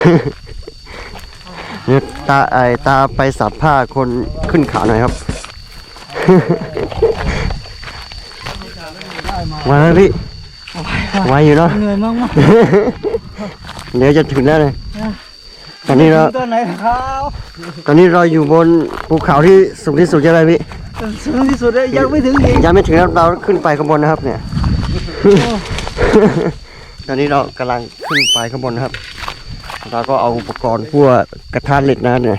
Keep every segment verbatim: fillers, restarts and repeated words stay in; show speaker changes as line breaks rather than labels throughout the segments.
เนี่ยตาไอตาไปสับผ้าคนขึ้นเขาหน่อยครับมาแล้วพี่ไวอยู่เนาะเหนื่อยมากมากเดี๋ยวจะถึงแล้วเลยตอนนี้เราตอนไหนครับตอนนี้เราอยู่บนภูเขาที่สูงที่สุดใช่ไหมพี่สูงที่สุดเลยยังไม่ถึงยังไม่ถึงแล้วเราขึ้นไปข้างบนนะครับเนี่ยตอนนี้เรากำลังขึ้นไปข้างบนนะครับเราก็เอาอุปกรณ์พวกกระทะเหล็กนะเนี่ย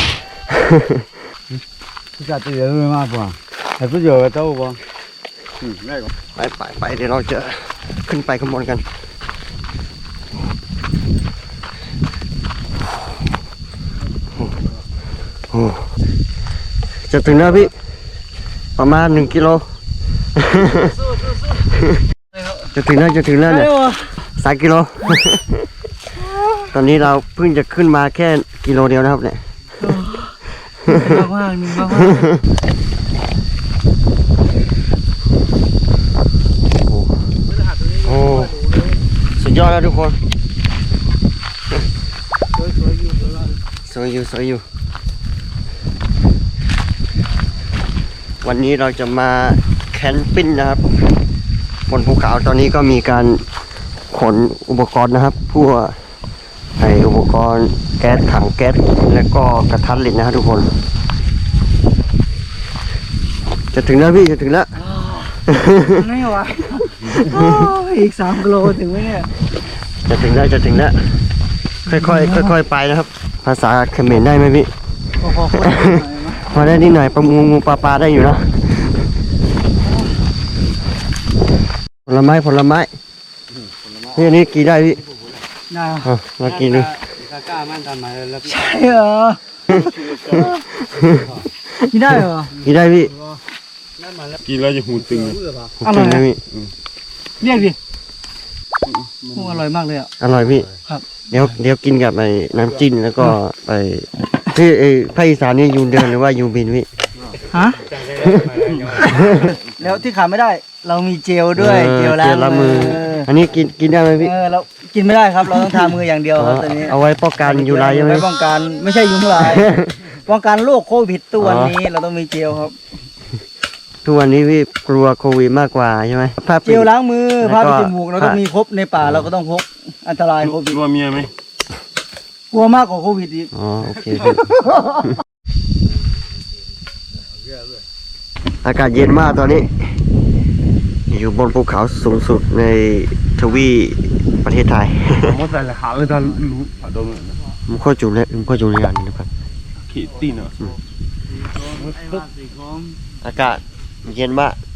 จะตีเลยมากกว่าแต่ก็เยอะเท่าบ่
ไปไปไปเดี๋ยวเราจะขึ้นไปข้างบนกันจะถึงแล้วพี่ประมาณหนึ่งกิโลจะถึงแล้วจะถึงแล้วเนี่ยสามกิโลตอนนี้เราเพิ่งจะขึ้นมาแค่กิโลเดียวนะครับเนี่ยว่างๆนึงว่างๆโอ้สุดยอดแล้วทุกคนสวยอยู่สวยอยู่วันนี้เราจะมาแคมปิ้งนะครับบนภูเขาตอนนี้ก็มีการขนอุปกรณ์นะครับพวกไออุปกรณ์แก๊สถังแก๊สแล้วก็กระทะเหล็กนะครับทุกคนจะถึงแล้วพี่จะถึงแล้วไม่ไหวอีกสามกิโลถึงไหมเนี่ยจะถึงแล้วจะถึงแล้วค่อยๆค่อยๆไปนะครับภาษาเขมรได้ไหมพี่พอได้นิดหน่อยปลางูงูปลาปลาได้อยู่นะผลไม้ผลไม้นี่นี่กี่ได้พี่ได้มากินดูใช่เหรอกินได้เหรอกินได้พี่
กินแล้วจะหูตึง
อร่อยนะพี่
เรียกดิอร่อยมากเลยอ่ะ
อร่อยพี่
ครับ
เดี๋ยวเดี๋ยวกินกับไอ้น้ำจิ้มแล้วก็ไปที่ไอ้ภาคอีสานนี่ยูเดินหรือว่ายูบินพี่
ฮะแล้วที่ขาดไม่ได้เรามีเจลด้วยเจลล้างมือ
อันนี้กินกินได้ไหมพี่
เออเรากินไม่ได้ครับเราต้องทามืออย่างเดียวครับตอนนี้
เอาไว้ป้องกันยุงลายใช่ไหม
ป้องกันไม่ใช่ยุงลายป้องกันโรคโควิดตัวนี้เราต้องมีเจลครับ
ทุกวันนี้พี่กลัวโควิดมากกว่าใช่ไหม
เจลล้างมือผ้าปิดจมูกเราต้องมีครบในป่าเราก็ต้องพกอันตรายโควิด
กลัวเมียไหม
กลัวมากกว่าโควิดอีก
อ๋อโอเคพี่อากาศเย็นมากตอนนี้อยู่บนภูเขาสูงสุดในทวีประเทศไทย
ผมใส่ละหาเลยท่านรู้ผ่าดม
มันโคตรจุเลยมันโคตรจุเลยอันนี้นะครับ
ขีดตีนอ่ะ
อากาศเย็นมาก